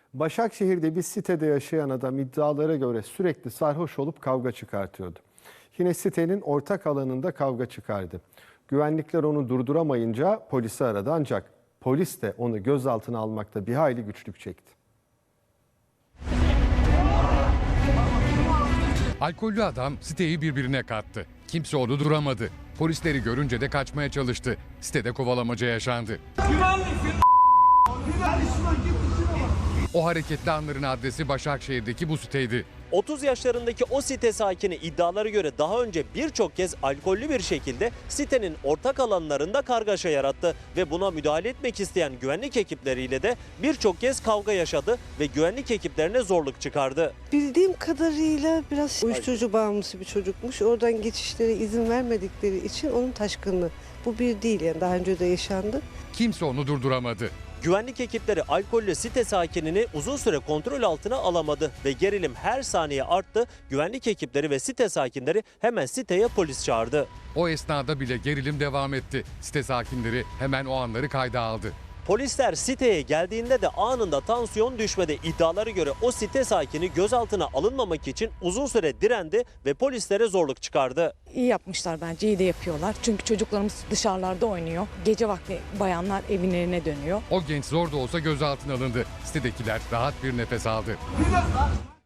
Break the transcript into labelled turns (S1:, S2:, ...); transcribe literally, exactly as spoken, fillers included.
S1: Başakşehir'de bir sitede yaşayan adam iddialara göre sürekli sarhoş olup kavga çıkartıyordu. Yine sitenin ortak alanında kavga çıkardı. Güvenlikler onu durduramayınca polisi aradı ancak polis de onu gözaltına almakta bir hayli güçlük çekti.
S2: Alkollü adam siteyi birbirine kattı. Kimse onu duramadı. Polisleri görünce de kaçmaya çalıştı. Sitede kovalamaca yaşandı. O hareketli anların adresi Başakşehir'deki bu siteydi.
S3: otuz yaşlarındaki o site sakini iddialara göre daha önce birçok kez alkollü bir şekilde sitenin ortak alanlarında kargaşa yarattı ve buna müdahale etmek isteyen güvenlik ekipleriyle de birçok kez kavga yaşadı ve güvenlik ekiplerine zorluk çıkardı.
S4: Bildiğim kadarıyla biraz uyuşturucu bağımlısı bir çocukmuş. Oradan geçişlere izin vermedikleri için onun taşkınlığı. Bu bir değil, yani daha önce de yaşandı.
S2: Kimse onu durduramadı.
S3: Güvenlik ekipleri alkollü site sakinini uzun süre kontrol altına alamadı ve gerilim her saniye arttı. Güvenlik ekipleri ve site sakinleri hemen siteye polis çağırdı.
S2: O esnada bile gerilim devam etti. Site sakinleri hemen o anları kayda aldı.
S3: Polisler siteye geldiğinde de anında tansiyon düşmedi. İddialara göre o site sakini gözaltına alınmamak için uzun süre direndi ve polislere zorluk çıkardı.
S5: İyi yapmışlar bence, iyi de yapıyorlar. Çünkü çocuklarımız dışarılarda oynuyor. Gece vakti bayanlar evlerine dönüyor.
S2: O genç zor da olsa gözaltına alındı. Sitedekiler rahat bir nefes aldı.